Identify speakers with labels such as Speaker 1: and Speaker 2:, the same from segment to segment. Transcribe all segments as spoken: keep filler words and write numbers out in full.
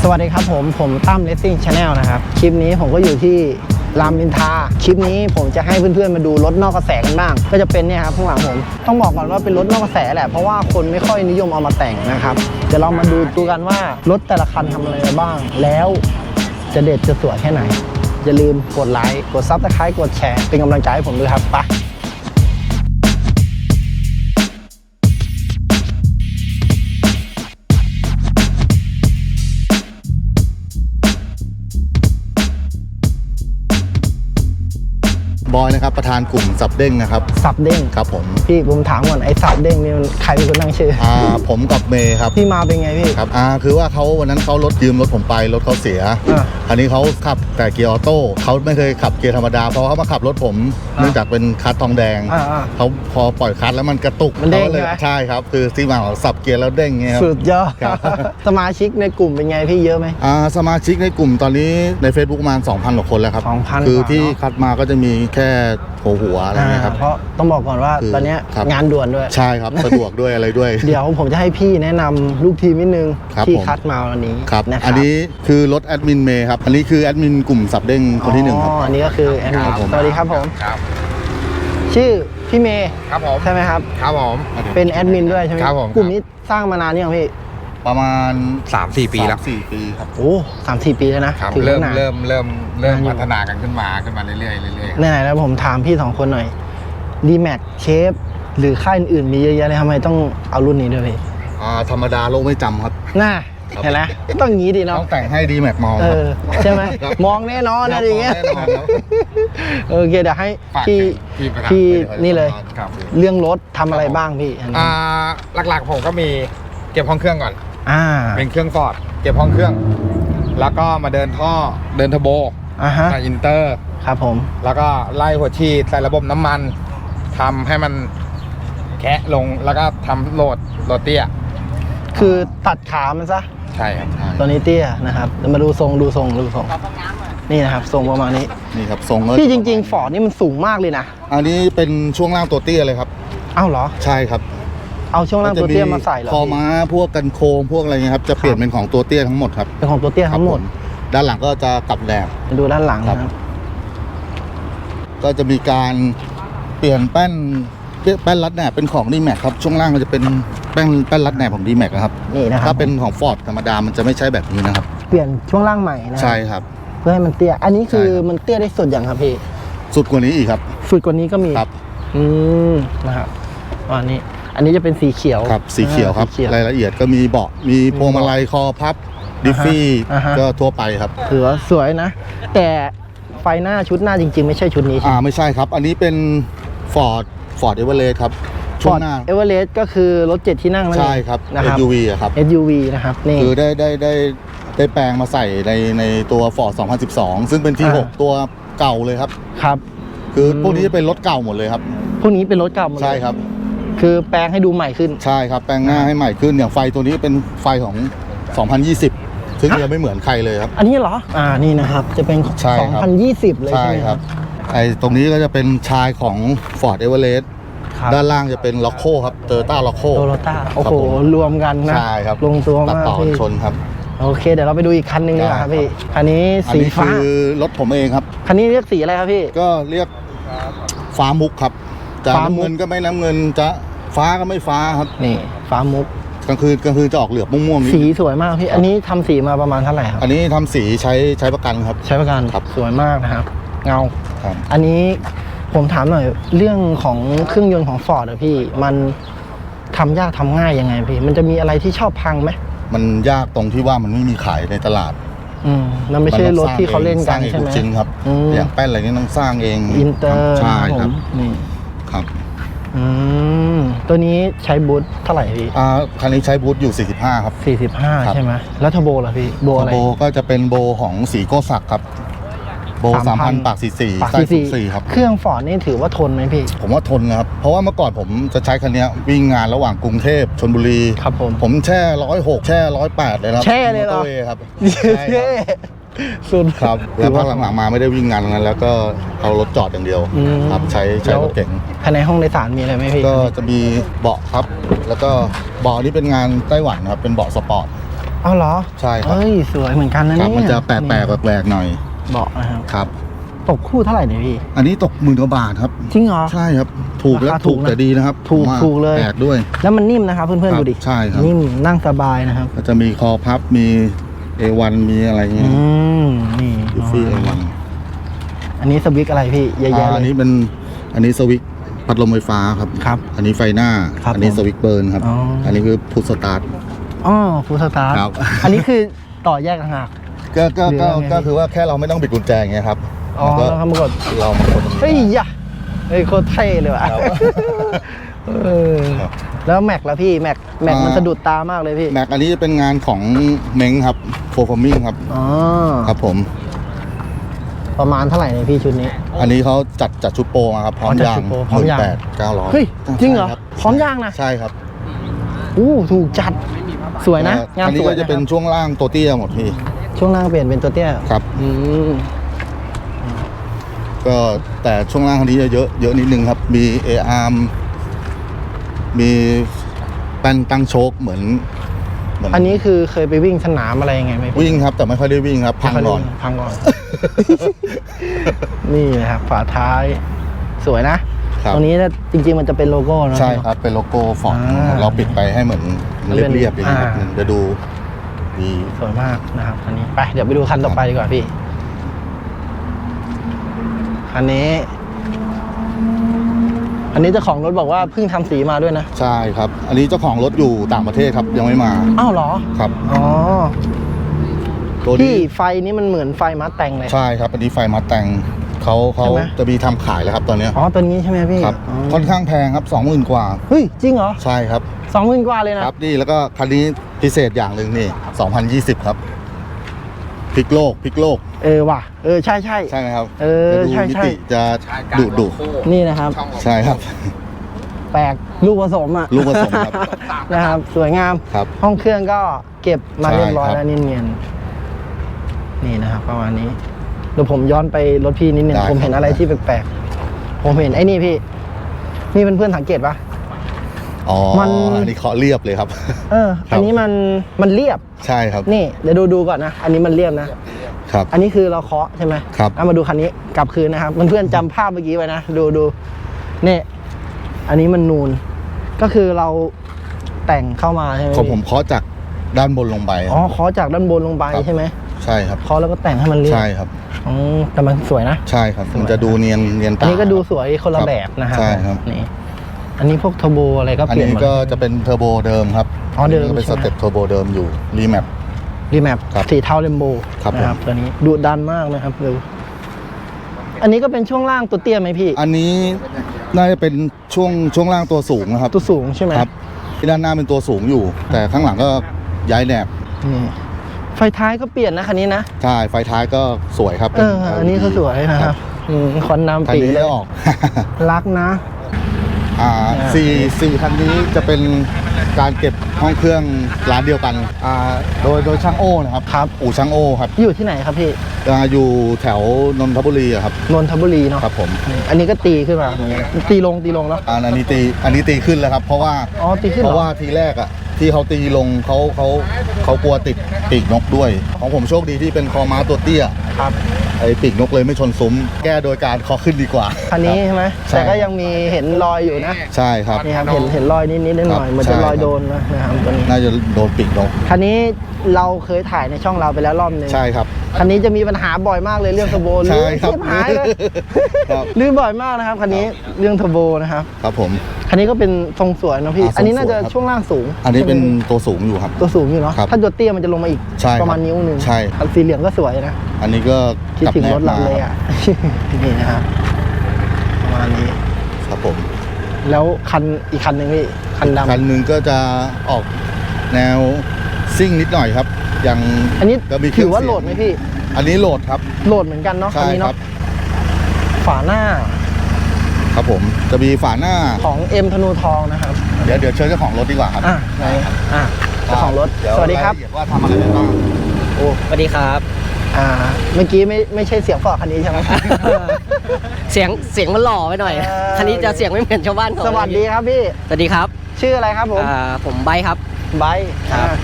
Speaker 1: วัสดีครับผมผมตั้ม Racing Channel นะครับคลิปนี้ผมก็อยู่ที่รามอินทราคลิปนี้ผมจะให้เพื่อนๆมาดูรถนอกกระแสกันบ้างก็จะเป็นเนี่ยครับข้างหลังผมต้องบอกก่อนว่าเป็นรถนอกกระแสแหละเพราะว่าคนไม่ค่อยนิยมเอามาแต่งนะครับเดี๋ยวเรามาดูดูกันว่ารถแต่ละคันทำอะไรบ้างแล้วจะเด็ดจะสวยแค่ไหนอย่าลืมกดไลค์กด ซับสไครบ์ กดแชร์เป็นกำลังใจให้ผมด้วยครับไป
Speaker 2: บอยนะครับประธานกลุ่มสับเด้งนะครับ
Speaker 1: สับเด้ง
Speaker 2: ครับผม
Speaker 1: พี่ผมถามก่อนไอ้สับเด้งนี่มันใครเป็นคนตั้งชื่อ
Speaker 2: อ่าผมกับเมย์ครับ
Speaker 1: พี่มาเป็นไงพี่
Speaker 2: ครับอ่าคือว่าเขาวันนั้นเขารถยืมรถผมไปรถเขาเสียอ่าอันนี้เขาขับแต่เกียร์ออโต้เขาไม่เคยขับเกียร์ธรรมดาเพราะเขามาขับรถผมเนื่องจากเป็นคัสทองแดงเขาพอปล่อยคัสแล้วมันกระตุก
Speaker 1: มันเด้ง
Speaker 2: เลยใช่ครับคือที่มาของสับเกียร์แล้วเด้งเงี้ย
Speaker 1: สุดยอดสมาชิกในกลุ่มเป็นไงพี่เยอะไหม
Speaker 2: อ่าสมาชิกในกลุ่มตอนนี้ใน Facebook ประมาณ สองพัน กว่าคนแล้วครับ
Speaker 1: สองพัน
Speaker 2: คือที่คัดมาก็จะมีแค่หัวหัวอะไรเงี้ยครับ
Speaker 1: เพราะต้องบอกก่อนว่าตอนนี้งานด่วนด้วย
Speaker 2: ใช่ครับสะดวกด้วยอะไรด้วย
Speaker 1: เดี๋ยวผมจะให้พี่แนะนำลูกทีมนิดนึงที่คัดมาวันนี้
Speaker 2: ครับอันนี้คือรถแอดมินเมย์ครับอันนี้คือแอดมินกลุ่มสับเด้งคนที่หนึ่งครับ
Speaker 1: อันนี้ก็คือแอดมินสวัสดีครับผมชื่อพี่เมย์
Speaker 3: ครับผม
Speaker 1: ใช่ไหมครับ
Speaker 3: ครับผม
Speaker 1: เป็นแอดมินด้วยใช่ไหม
Speaker 3: ครับผม
Speaker 1: กลุ่มนี้สร้างมานานยังพี่
Speaker 2: ประมาณ
Speaker 3: สามสี่ ปีแล้ว
Speaker 2: สี่ปีครับ
Speaker 1: โอ้สามสี่ปีแล้วนะ
Speaker 3: เริ่มเริ่มเริ่มเริ่มพัฒนากันขึ้นมาขึ้นมาเรื่อยๆเรื่อยๆ
Speaker 1: ไหนๆแล้วผมถามพี่สองคนหน่อยดีแม็กเชฟหรือค่ายอื่นๆมีเยอะแยะเลยทำไมต้องเอารุ่นนี้ด้วยพี่
Speaker 2: อ่าธรรมดาโลกไม่จำครับ
Speaker 1: น่าเห็นไหมต้องงี้ดีเนาะ
Speaker 2: ต้องแต่งให้ดีแม็กมอง
Speaker 1: ใช่ไหมมองแน่นอนอะไรอย่างเงี้ยโอเคเดี๋ยวให้พี่พี่นี่เลยเรื่องรถทำอะไรบ้างพี่
Speaker 3: อ่าหลักๆผมก็มีเก็บห้องเครื่องก่อน
Speaker 1: อ่า
Speaker 3: เป็นเครื่องฟอร์ดเก็บห้องเครื่องแล้วก็มาเดินท่อเดินเทอร์โบ
Speaker 1: อ่าฮะ
Speaker 3: ใส่อินเตอร์
Speaker 1: ครับผม
Speaker 3: แล้วก็ไล่หัวฉีดใส่ระบบน้ำมันทำให้มันแคะลงแล้วก็ทำโหลดโหลดเตี้ย
Speaker 1: คือตัดขามันซะ
Speaker 3: ใช่ครับ
Speaker 1: ตัวนี้เตี้ยนะครับมาดูทรงดูทรงดูทรงนี่นะครับทรงประมาณนี้
Speaker 2: นี่ครับทรง
Speaker 1: ที่จริงๆฟอร์ดนี่มันสูงมากเลยนะ
Speaker 2: อันนี้เป็นช่วงล่างตัวเตี้ยเลยครับ
Speaker 1: อ้าวเหรอ
Speaker 2: ใช่ครับ
Speaker 1: เอาช่วงล่างตัวเตี้ยมาใส่เหรอ
Speaker 2: คอม้าพวกกันโค้งพวกอะไรเงี้ยครับจะเปลี่ยนเป็นของตัวเตี้ยทั้งหมดครับ
Speaker 1: เป็นของตัวเตี้ยทั้งหมด
Speaker 2: ด้านหลังก็จะกลับแหลม
Speaker 1: ดูด้านหลังครับ
Speaker 2: ก็จะมีการเปลี่ยนแป้นแป้นรัดแหนบเป็นของดีแม็กครับช่วงล่างก็จะเป็นแป้นแป้นรัดแหนบของดีแม็กครับ
Speaker 1: นี่นะครับ
Speaker 2: ถ้าเป็นของฟอร์ดธรรมดามันจะไม่ใช่แบบนี้นะครับ
Speaker 1: เปลี่ยนช่วงล่างใหม่นะ
Speaker 2: ใช่ครับ
Speaker 1: เพื่อให้มันเตี้ยอันนี้คือมันเตี้ยได้สุดอย่างครับพี่
Speaker 2: สุดกว่านี้อีกครับ
Speaker 1: สุดกว่านี้ก็มี
Speaker 2: ครับ
Speaker 1: อืมนะครับอันนี้อันนี้จะเป็นสีเขียว
Speaker 2: ครับสีเขียวครับรายละเอียดก็มีเบาะมีพวงมาลัยคอพับดิฟฟี่ก็ทั่วไปครับ
Speaker 1: ถือว่าสวยนะแต่ไฟหน้าชุดหน้าจริงๆไม่ใช่ชุดนี้ใช่
Speaker 2: อ่าไม่ใช่ครับอันนี้เป็น Ford Ford Everest ครับ
Speaker 1: ช่วงหน้า Everest ก็คือรถเจ็ดที่นั่งนั่นเอง
Speaker 2: ใช่ครับ
Speaker 1: เอส
Speaker 2: ยู วี อะครับ
Speaker 1: เอส ยู วี นะครับนี่
Speaker 2: คือได้ได้ได้ได้แปลงมาใส่ในในตัว Ford สองพันสิบสองซึ่งเป็น ที หก ตัวเก่าเลยครับ
Speaker 1: ครับ
Speaker 2: คือพวกนี้จะเป็นรถเก่าหมดเลยครับ
Speaker 1: พวกนี้เป็นรถเก่าหมด
Speaker 2: ใช่ครับ
Speaker 1: คือแปลงให้ดูใหม่ขึ้น
Speaker 2: ใช่ครับแปลงหน้าให้ใหม่ขึ้นอย่างไฟตัวนี้เป็นไฟของสองพันยี่สิบซึ่งยังไม่เหมือนใครเลยครับ
Speaker 1: อันนี้เหรออ่านี่นะครับจะเป็นสองพันยี่สิบเลยใช่ไหมครับ
Speaker 2: ไอ้ตรงนี้ก็จะเป็นชายของ Ford Everest ด้านล่างจะเป็นล็อกโคครับเตอร์ต้าล็อกโค
Speaker 1: โตโยต้าโอ้โหรวมกันนะ
Speaker 2: ใช่ครับ
Speaker 1: ลงตัวมาก
Speaker 2: ต่อชนครับ
Speaker 1: โอเคเดี๋ยวเราไปดูอีกคันนึงดีกว่าครับพี่คันนี้สีฟ้า
Speaker 2: คือรถผมเองครับ
Speaker 1: คันนี้เรียกสีอะไรครับพี่
Speaker 2: ก็เรียกฟ้ามุกครับจะน้ำเงินก็ไม่น้ำเงินจะฟ้าก็ไม่ฟ้าครับ
Speaker 1: นี่ฟ้ามุก
Speaker 2: กลางคืนกลางคืนจะออกเหลือบม่วงๆ
Speaker 1: สีสวยมากพี่อันนี้ทำสีมาประมาณเท่าไหร่ครับ
Speaker 2: อันนี้ทำสีใช้ใช้ประกันครับ
Speaker 1: ใช้ประกัน
Speaker 2: ครับ
Speaker 1: สวยมากนะครับเงา
Speaker 2: ครับ
Speaker 1: อันนี้ผมถามหน่อยเรื่องของเครื่องยนต์ของฟอร์ดอะพี่มันทำยากทำง่ายยังไงพี่มันจะมีอะไรที่ชอบพังไหม
Speaker 2: มันยากตรงที่ว่ามันไม่มีขายในตลาด
Speaker 1: อืมมันไม่ใช่รถที่เขาเล่นกันใช่ไหม
Speaker 2: จริงครับอย่างแป้นอะไรนี้ต้องสร้างเอง
Speaker 1: อินเตอร์
Speaker 2: ใช่ครับ
Speaker 1: นี่
Speaker 2: ครับ
Speaker 1: อืมตัวนี้ใช้บูทเท่าไหร่พี่
Speaker 2: อ่าคันนี้ใช้บูทอยู่สี่สิบห้าครับ
Speaker 1: สี่สิบห้าใช่ไหมแล้วเทอร์โบล่ะพี่โบอะไร
Speaker 2: เทอร์โบก็จะเป็นโบของสีโกศักดิ์ครับโบสามพันปากสี่สี่ไส้สูงสี่ครับ
Speaker 1: เครื่องฟอร์ดนี่ถือว่าทนไหมพี่
Speaker 2: ผมว่าทนครับเพราะว่าเมื่อก่อนผมจะใช้คันนี้วิ่งงานระหว่างกรุงเทพชลบุรี
Speaker 1: ครับผม
Speaker 2: ผมแช่ร้อยหกแช่ร้อยแปดเลยครับ
Speaker 1: แช่เลยเหรอ
Speaker 2: ครับ
Speaker 1: แช่สุด
Speaker 2: ครับแล้วพักหลังๆมาไม่ได้วิ่งงานนั้นแล้วก็เอารถจอดอย่างเดียวครับใช้ใช้รถเก๋ง
Speaker 1: ภายในห้องโดยสารมีอะไรไหมพี่
Speaker 2: ก็จะมีเบาะครับแล้วก็เบาะนี้เป็นงานไต้หวันครับเป็นเบาะสปอร์ต
Speaker 1: เอาเหรอ
Speaker 2: ใช่ครับ
Speaker 1: เฮ้ยสวยเหมือนกันนะ
Speaker 2: ครั
Speaker 1: เนี่
Speaker 2: บ
Speaker 1: ย
Speaker 2: มันจะแปลกแปลกแปลกๆหน่อย
Speaker 1: เบาะนะครับ
Speaker 2: ครับ
Speaker 1: ตกคู่เท่าไหร่เนี่ยพี่
Speaker 2: อันนี้ตกหมื่นกว่าบาทครับ
Speaker 1: จริงเหรอ
Speaker 2: ใช่ครับถูกแล้ว
Speaker 1: ราคาถู
Speaker 2: ถู
Speaker 1: ก
Speaker 2: ก
Speaker 1: นะ
Speaker 2: แต่ดีนะครับ
Speaker 1: ถูก
Speaker 2: ผมว่า
Speaker 1: ถูกเลย
Speaker 2: แปลกด้วย
Speaker 1: แล้วมันนิ่มนะครับเพื่อน
Speaker 2: ค
Speaker 1: ๆ
Speaker 2: รับ
Speaker 1: ดูดิ
Speaker 2: ใช่ครับ
Speaker 1: นิ่มนั่งสบายนะครับ
Speaker 2: ก็จะมีคอพับมี เอ วัน มีอะไรเงี้
Speaker 1: อื
Speaker 2: ย
Speaker 1: มนี่
Speaker 2: ยูฟี่ เอ วัน
Speaker 1: อันนี้สวิตช์อะไรพี่เยอะแยะ
Speaker 2: อ่า
Speaker 1: เล
Speaker 2: อัน
Speaker 1: ย
Speaker 2: นี้เป็นอันนี้สวิตช์พัดลมไฟฟ้าครับ
Speaker 1: ครับ
Speaker 2: อันนี้ไฟหน้า
Speaker 1: ครับ
Speaker 2: อันี้
Speaker 1: ผม
Speaker 2: สวิตช์เบิร์นครับ
Speaker 1: อ๋ออั
Speaker 2: อันนี้คือพุทสตาร์ท
Speaker 1: อ๋อฟูลสตาร์ท
Speaker 2: ครับ
Speaker 1: อันนี้คือต่อแยกต่างหาก
Speaker 2: ก็ก็
Speaker 1: หรือ
Speaker 2: ก็
Speaker 1: ว่าไง
Speaker 2: ก็คือว่าแค่เราไม่ต้องบิดกุญแจอย่างเงี้ยครับ
Speaker 1: อ๋อ
Speaker 2: มันก็
Speaker 1: แล้วครับมากด
Speaker 2: เรามากด
Speaker 1: เฮ้ยยะเฮ้ยโคตรเท่เลยว่ะ
Speaker 2: ครับ
Speaker 1: เออ
Speaker 2: ครับ
Speaker 1: แล้วแม็กแล้วพี่แม็กแม็ก
Speaker 2: อ่ามั
Speaker 1: มันสะดุดตามากเลยพี่
Speaker 2: แม็กอันนี้จะเป็นงานของเม้งครับโฟร์ฟอร์มิงครับ
Speaker 1: อ๋อ
Speaker 2: ครับผม
Speaker 1: ประมาณเท่าไหร่เนี่ยพี่ชุดนี้
Speaker 2: อันนี้เขาจัดจัดชุดโปรมาครับ พร้อม
Speaker 1: อ๋อจัด
Speaker 2: ยา
Speaker 1: ชุ
Speaker 2: ง
Speaker 1: ดโปรพร้อมยาง
Speaker 2: แปดเก้าร้อย
Speaker 1: เฮ้ยจริงเหรอพร้อมยางนะ
Speaker 2: ใช่ครับ
Speaker 1: อู้ถูกจัดสวยนะ
Speaker 2: เอ่อง
Speaker 1: าน
Speaker 2: อัน
Speaker 1: ส
Speaker 2: นี้
Speaker 1: วย
Speaker 2: ก็จะเป็น
Speaker 1: ครับ
Speaker 2: ช่วงล่างตัวเตี้ยหมดพี่
Speaker 1: ช่วงล่างเปลี่ยนเป็นตัวเตี้ย
Speaker 2: ครับ
Speaker 1: อืม
Speaker 2: ก็แต่ช่วงล่างคันนี้จะเยอะเยอะนิดนึงครับ มี เอ อาร์ ม มีแป้นตั้งโชคเหมือนเหมือน
Speaker 1: อันนี้คือเคยไปวิ่งสนามอะไรยังไงไหมพี่
Speaker 2: วิ่งครับ แต่ไม่ค่อยได้วิ่งครับ พังก่อน
Speaker 1: พังก่อน นี่นะครับฝาท้ายสวยนะ
Speaker 2: ครับ
Speaker 1: ตรงนี้นะจริงๆมันจะเป็นโลโก้เนอะ
Speaker 2: ใช่ครับ เป็นโลโก้ฟอร์ด
Speaker 1: อ่า
Speaker 2: เราปิดไปให้เหมือน
Speaker 1: มันเป็น
Speaker 2: เรียบๆอย่างนี้ครับ
Speaker 1: อ่า
Speaker 2: จะดูดี
Speaker 1: สวยมากนะครับคันนี้ไปเดี๋ยวไปดูคันต่อไปดีกว่าพี่คันนี้ อันนี้เจ้าของรถบอกว่าเพิ่งทำสีมาด้วยนะ
Speaker 2: ใช่ครับ อันนี้เจ้าของรถอยู่ต่างประเทศครับ ยังไม่มา
Speaker 1: อ้าวเหรอ
Speaker 2: ครับ
Speaker 1: อ๋อ
Speaker 2: ตัว
Speaker 1: พี่
Speaker 2: นี้
Speaker 1: ไฟนี้มันเหมือนไฟมาแต่งเลย
Speaker 2: ใช่ครับ อันนี้ไฟมาแต่งเขาเขา
Speaker 1: ใช่ไหม
Speaker 2: จะมีทำขายแล้วครับตอนเนี้ย
Speaker 1: อ๋อตัวนี้ใช่ไหมพี่
Speaker 2: ครับ
Speaker 1: อ๋อ
Speaker 2: ค่อนข้างแพงครับสองหมื่นกว่า
Speaker 1: เฮ้ยจริงเหรอ
Speaker 2: ใช่ครับ
Speaker 1: สองหมื่นกว่าเลยนะครับ
Speaker 2: นี่แล้วก็คันนี้พิเศษอย่างหนึ่งนี่สองพันยี่สิบครับพลิกโลกพลิกโลก
Speaker 1: เออว่ะเออใช่ใช่
Speaker 2: ใช่ไหมครับ
Speaker 1: เออ
Speaker 2: จะดู
Speaker 1: ใช่
Speaker 2: มิ
Speaker 1: ใช่
Speaker 2: ติจะดุดุ
Speaker 1: นี่นะครับ
Speaker 2: ใช่ครับ
Speaker 1: แปลกลูกผสมอ่ะ
Speaker 2: ลูกผสมครับ
Speaker 1: นะครับ สวยงาม
Speaker 2: ครับ
Speaker 1: ห้องเครื่องก็เก็บมา
Speaker 2: ใช่
Speaker 1: เรียบร้อย
Speaker 2: ครับ
Speaker 1: แล้วเนียนๆนี่นะครับประมาณนี้เดี๋ยวผมย้อนไปรถพี่นิดนึง
Speaker 2: ได้
Speaker 1: ผมเห็น
Speaker 2: ครับ
Speaker 1: อะไรที่แปลกๆผมเห็นไอ้นี่พี่ นี่เพื่อนๆสังเกตปะ
Speaker 2: อ๋อ
Speaker 1: มัน
Speaker 2: อันนี้เคาะเรียบเลยครับ
Speaker 1: เออ
Speaker 2: ครับ
Speaker 1: อันนี้มันมันเรียบ
Speaker 2: ใช่ครับ
Speaker 1: นี่เดี๋ยวดูดูก่อนนะ อันนี้มันเรียบนะ
Speaker 2: ครับ
Speaker 1: อันนี้คือเราเคาะใช่ไหม
Speaker 2: ครับ
Speaker 1: เอามาดูคันนี้กลับคืนนะครับเพื่อนๆจำภาพเมื่อกี้ไว้นะดูดูนี่อันนี้มันนูน ก็คือเราแต่งเข้ามาใช่ไหม
Speaker 2: ของ
Speaker 1: พี่
Speaker 2: ผมเคาะจากด้านบนลงไป
Speaker 1: อ๋อเคาะจากด้านบนลงไป
Speaker 2: ครับ
Speaker 1: ใช่ไหม
Speaker 2: ใช่ครับ
Speaker 1: เคาะแล้วก็แต่งให้มันเรียบ
Speaker 2: ใช่ครับ
Speaker 1: อืมแต่มันสวยนะ
Speaker 2: ใช่ครับ
Speaker 1: สวย
Speaker 2: มันจะดูเนียนเนียน
Speaker 1: อั
Speaker 2: ตาน
Speaker 1: นี้ก็ดู
Speaker 2: ครับ
Speaker 1: สวยคนละ
Speaker 2: ครับ
Speaker 1: แบบนะครับ
Speaker 2: ใช่ครับ
Speaker 1: นี่อันนี้พวกเทอร์โบอะไรก็
Speaker 2: อัน
Speaker 1: เปลี่ยน
Speaker 2: นี้
Speaker 1: หมด
Speaker 2: ก็จะเป็นเทอร์โบเดิมครับ
Speaker 1: อ๋อเดิม
Speaker 2: นนี้ก็เป็น
Speaker 1: ใช่
Speaker 2: ส
Speaker 1: ไหม
Speaker 2: เต็ปเทอร์โบเดิมอยู่รีแมป
Speaker 1: รีแมป
Speaker 2: ครับ
Speaker 1: สีเทาเรมโบ
Speaker 2: ครับ
Speaker 1: นะครับตัวนี้ดุดันมากนะครับดูอันนี้ก็เป็นช่วงล่างตัวเตี้ยไหมพี่
Speaker 2: อันนี้น่าจะเป็นช่วงช่วงล่างตัวสูงนะครับ
Speaker 1: ตัวสูงใช่ไหม
Speaker 2: ครับที่ด้านหน้าเป็นตัวสูงอยู่ แต่ข้างหลังก็ย้ายแหนบ
Speaker 1: นี่ไฟท้ายก็เปลี่ยนนะคันนี้นะ
Speaker 2: ใช่ไฟท้ายก็สวยครับ
Speaker 1: เอออันนี้ก็สวยนะครับอืมควัน
Speaker 2: คัน
Speaker 1: น้ำปี
Speaker 2: นี้
Speaker 1: เล
Speaker 2: ได้
Speaker 1: ย
Speaker 2: ออก
Speaker 1: รักนะ
Speaker 2: อ่า
Speaker 1: อ่า
Speaker 2: สี่สี่คันนี้จะเป็นการเก็บห้องเครื่องร้านเดียวกันอ่าโดยโดยช่างโอ้นะครับ
Speaker 1: ครับ
Speaker 2: อู่ช่างโอ้ครับ
Speaker 1: อยู่ที่ไหนครับพี่
Speaker 2: อ่าอยู่แถวนนทบุรีอะครับ
Speaker 1: นนทบุรีเนาะ
Speaker 2: ครับผม
Speaker 1: อืมอันนี้ก็ตีขึ้นมาเหมือนกันตีลงตีลงแล้ว
Speaker 2: อันอันนี้ตีอันนี้ตีขึ้นแล้วครับ เพราะว่า
Speaker 1: อ๋อตีขึ้น
Speaker 2: เพ
Speaker 1: เหรอ
Speaker 2: ราะว่าทีแรกอะที่เขาตีลงเขาเขาเขากลัวติดปีกนกด้วย ของผมโชคดีที่เป็นคอม้าตัวเตี้ย
Speaker 1: ครับ
Speaker 2: ไอ้ปีกนกเลยไม่ชนซุ้ม แก้โดยการเคอขึ้นดีกว่า
Speaker 1: คันนี้ใช่ไหม
Speaker 2: ใช่
Speaker 1: แต่ก็ยังมีเห็นรอยอยู่นะ
Speaker 2: ใช่ครับ
Speaker 1: นี่ครับเห็นเห็นรอยนิดนิดๆหน่อยๆเหมือน
Speaker 2: ใช่
Speaker 1: จะรอย
Speaker 2: ครับ
Speaker 1: โดนนะนะครับตัวนี้
Speaker 2: น่าจะโดนปีกนก
Speaker 1: คันนี้เราเคยถ่ายในช่องเราไปแล้วรอบหนึง
Speaker 2: ใช่ครับ
Speaker 1: คันนี้จะมีปัญหาบ่อยมากเลยเรื่องเทอร์โบ
Speaker 2: ใช่
Speaker 1: ลื่น
Speaker 2: ครับ
Speaker 1: เสียหายเลย
Speaker 2: ครับ
Speaker 1: ลื่นบ่อยมากนะครับคันนี้เรื่องเทอร์โบนะครับ
Speaker 2: ครับผม
Speaker 1: คันนี้ก็เป็นทรงสวยนะพี่
Speaker 2: อ่าทรง
Speaker 1: อันนี้น่าจะ
Speaker 2: สวยครับ
Speaker 1: ช่วงล่างสูง
Speaker 2: อันนี้เป็น
Speaker 1: ใช่ไหม
Speaker 2: ตัวสูงอยู่ครับ
Speaker 1: ตัวสูงอยู่เนาะ
Speaker 2: ครับ
Speaker 1: ถ้าตัวเตี้ยมันจะลงมาอีก
Speaker 2: ใช่ครับ
Speaker 1: ประมาณนิ้วหนึ่ง
Speaker 2: ใช่
Speaker 1: อันสีเหลืองก็สวยนะ
Speaker 2: อันนี้ก็
Speaker 1: คิดถึง
Speaker 2: ก
Speaker 1: ร
Speaker 2: ลับ
Speaker 1: ถ
Speaker 2: แนบ
Speaker 1: เราเลย
Speaker 2: มา
Speaker 1: อ่ะ นี่นะครับประมาณนี้
Speaker 2: ครับผม
Speaker 1: แล้วคันอีกคันหนึ่งพี่คันดำ
Speaker 2: คันหนึ่งก็จะออกแนวซิ่งนิดหน่อยครับ อย่าง
Speaker 1: อันนี้
Speaker 2: ก็มีเค
Speaker 1: ถื
Speaker 2: รื่ง
Speaker 1: อว่า
Speaker 2: เสียง
Speaker 1: โหลดไหมพี่
Speaker 2: อันนี้โหลดครับ
Speaker 1: โหลดเหมือนกันเนาะคัน
Speaker 2: ใช่
Speaker 1: นี้
Speaker 2: ครั
Speaker 1: เนาะ
Speaker 2: บ
Speaker 1: ฝาหน้า
Speaker 2: ครับผมจะมีฝาหน้า
Speaker 1: ของเอ็มธนูทองนะครับ
Speaker 2: เดี๋ยวเดี๋ยวเชิญเจ้าของรถดีกว่าครับ
Speaker 1: อ่ะไหนอ่ะเจ้าของรถ
Speaker 2: เดี๋ย
Speaker 1: สวัสดีครับ
Speaker 2: ายละเอียว่าทำอะไรไปบ้าง
Speaker 1: โอ้
Speaker 4: สวัสดีครับ
Speaker 1: อ่า เมื่อกี้ไม่ไม่ใช่เสียงฟอร์ดคันนี้ใช่ไหม
Speaker 4: เสียงเสียงมันหล่อไปหน่อย
Speaker 1: เออ
Speaker 4: คันนี้จะเสียงไม่เหมือนชาวบ้านเขา
Speaker 1: สวัสดีครับพี่
Speaker 4: สวัสดีครับ
Speaker 1: ชื่ออะไรครับผม
Speaker 4: อ่าผมไบค์ครับ
Speaker 1: ไบร์ท
Speaker 4: ครับ
Speaker 1: อ่า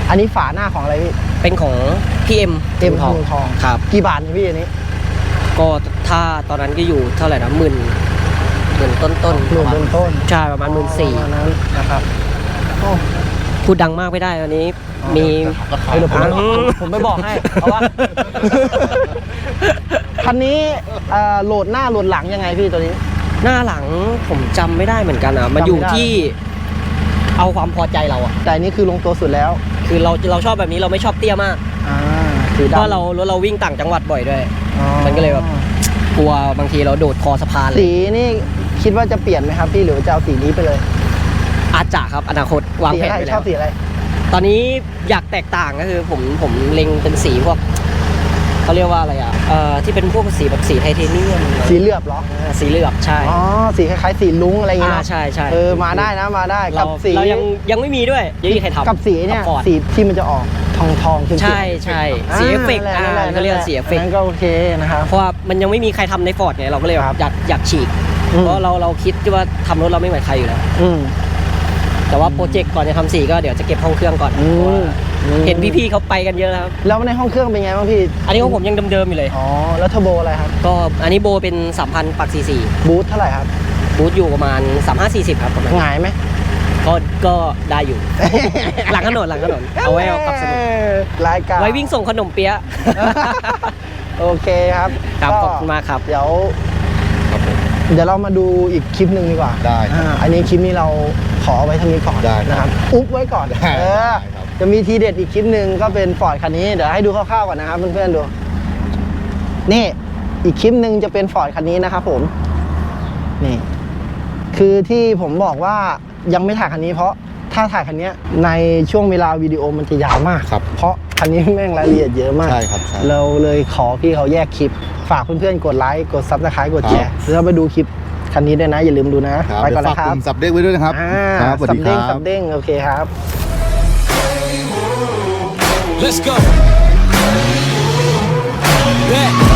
Speaker 1: อันนี้ฝาหน้าของอะไรพี่
Speaker 4: เป็นของพี่เอ็ม
Speaker 1: เอ็มทองทอง
Speaker 4: ครับ
Speaker 1: กี่บาทเนี่ยพี่อันนี้
Speaker 4: ก็ถ้าตอนนั้นก็อยู่เท่าไหร่นะหมื่นหมื่นต้นต้น
Speaker 1: หมื่นต้นต้น
Speaker 4: ใช่ประมาณหมื่นสี่
Speaker 1: ประมาณนั้นนะครับโอ้
Speaker 4: พูดดังมากไม่ได้วันนี้ มี
Speaker 1: เฮ้ยเดี๋ยวผมผมผมไม่บอกให้เพราะว่า คันนี้เอ่อโหลดหน้าโหลดหลังยังไงพี่ตัวนี้
Speaker 4: หน้าหลังผมจำไม่ได้เหมือนกันอ่ะมันอยู่
Speaker 1: จำไม่ได้
Speaker 4: ที่เอาความพอใจเราอ่ะ
Speaker 1: แต่อันนี้คือลงตัวสุดแล้ว
Speaker 4: คือเราเราชอบแบบนี้เราไม่ชอบเตี้ยมาก
Speaker 1: อ่าสี
Speaker 4: เพ
Speaker 1: ดำ
Speaker 4: ราะเรารถเราวิ่งต่างจังหวัดบ่อยด้วย
Speaker 1: อ๋อ
Speaker 4: มันก็เลยแบบ กลัวบางทีเราโดดคอสะพานเล
Speaker 1: สี
Speaker 4: ย
Speaker 1: นี่คิดว่าจะเปลี่ยนไหมครับพี่หรือว่าจะเอาสีนี้ไปเลย
Speaker 4: อาจจะครับอนาคตวาง
Speaker 1: สี
Speaker 4: แผน
Speaker 1: อะไร
Speaker 4: ไป
Speaker 1: ช
Speaker 4: แล้
Speaker 1: อ
Speaker 4: ว
Speaker 1: บสีอะไร
Speaker 4: ตอนนี้อยากแตกต่างก็คือผมผมเล็งเป็นสีพวกเขาเรียกว่าอะไรอ่ะเอ่อที่เป็นพวกสีแบบสีไทเทเนียม
Speaker 1: สีเหลือบเหรอ
Speaker 4: อ่าสีเหลือบใช่
Speaker 1: อ๋อสีคล้ายๆสีลุ้งอะไรอย่างเงี้ย
Speaker 4: อ่า
Speaker 1: เนอะ
Speaker 4: ใช่ใช่
Speaker 1: เออมาได้นะมาได้
Speaker 4: เรา
Speaker 1: กับสี
Speaker 4: เรายังยังไม่มีด้วยยังไม่มีใครทำ
Speaker 1: กับสีเนี่ย
Speaker 4: กับฟอร์ด
Speaker 1: สีที่มันจะออกทองทองๆเข้มๆ
Speaker 4: ใช่ใช่สีเอฟเฟกต์
Speaker 1: นั่
Speaker 4: อ่าน
Speaker 1: แหละ
Speaker 4: ก็เรียกว่าสีเอฟเฟก
Speaker 1: นั่
Speaker 4: ต์
Speaker 1: นก็โอเคนะครับ
Speaker 4: เพราะว่ามันยังไม่มีใครทำในฟอร์ดไงเราก็เลยแบบอยากอยากฉีก
Speaker 1: อืม
Speaker 4: เพราะเราเราคิดว่าทำรถเราไม่เหมือนใครอยู่แล้ว
Speaker 1: อืม
Speaker 4: แต่ว่าโปรเจกต์ก่อนจะทำสีก็เดี๋ยวจะเก็บห้องเครื่องก่อน
Speaker 1: อืม
Speaker 4: เพราะว่า
Speaker 1: อืม
Speaker 4: เห็นพี่ๆเขาไปกันเยอะแล้วครับ
Speaker 1: แล้วในห้องเครื่องเป็นไงบ้างพี่
Speaker 4: อันนี้ของผมยังเดิมๆอยู่เลย
Speaker 1: อ๋อแล้วเทอร์โบอะไรครับ
Speaker 4: ก็อันนี้โบเป็นสามพันปักสี่สี่
Speaker 1: บูทเท่าไหร่ครับ
Speaker 4: บูทอยู่ประมาณสามห้าสี่สิบครับประมาณ
Speaker 1: หงายไหม
Speaker 4: ก็ก็ได้อยู่ หลังถนนหลังถนนเอาไว้เอาขับสนุก
Speaker 1: รายการ
Speaker 4: ไว้วิ่งส่งขนมเปี๊ยะ
Speaker 1: โอเคครับ
Speaker 4: ครับ
Speaker 1: ก็
Speaker 4: ขอบคุณมากครับ
Speaker 1: เดี๋ยวเดี๋ยวเรามาดูอีกคลิปหนึ่งดีกว่า
Speaker 2: ได้ครับ
Speaker 1: อ่าอันนี้คลิปนี้เราขอเอาไว้เท่านี้ก่อน
Speaker 2: ได้ครับ
Speaker 1: นะครับอุ๊บไว้ก่อน
Speaker 2: ได้
Speaker 1: เออ
Speaker 2: ได้ครับ
Speaker 1: จะมีทีเด็ดอีกคลิปหนึ่งก็เป็นฟอร์ดคันนี้เดี๋ยวให้ดูคร่าวๆก่อนนะครับเพื่อนๆดูนี่อีกคลิปหนึ่งจะเป็นฟอร์ดคันนี้นะครับผมนี่ คือที่ผมบอกว่ายังไม่ถ่ายคันนี้เพราะถ้าถ่ายคันนี้ในช่วงเวลาวิดีโอมันจะยาวมาก
Speaker 2: ครับ
Speaker 1: เพราะคันนี้แม่งรายละเอียดเยอะมาก
Speaker 2: ใช่ครับใช่
Speaker 1: เราเลยขอพี่เขาแยกคลิป ฝากเพื่อนๆกดไลค์กดซับสไครต์กดแชร์แล้วไปดูคลิปคันนี้ด้วยนะ อย่าลืมดูนะ
Speaker 2: ครับ
Speaker 1: ไปก่อน
Speaker 2: เดี๋ยว
Speaker 1: นะ
Speaker 2: ฝาก
Speaker 1: ค
Speaker 2: ก
Speaker 1: รับ
Speaker 2: ลุ่มสับเด้งไว้ด้วยนะครับ
Speaker 1: อ่า
Speaker 2: ครับสวัส
Speaker 1: สั
Speaker 2: ดี
Speaker 1: บ
Speaker 2: ค
Speaker 1: เด้ง
Speaker 2: รั
Speaker 1: สั
Speaker 2: บ
Speaker 1: บเด้งโอเคครับ
Speaker 5: Let's go. Yeah.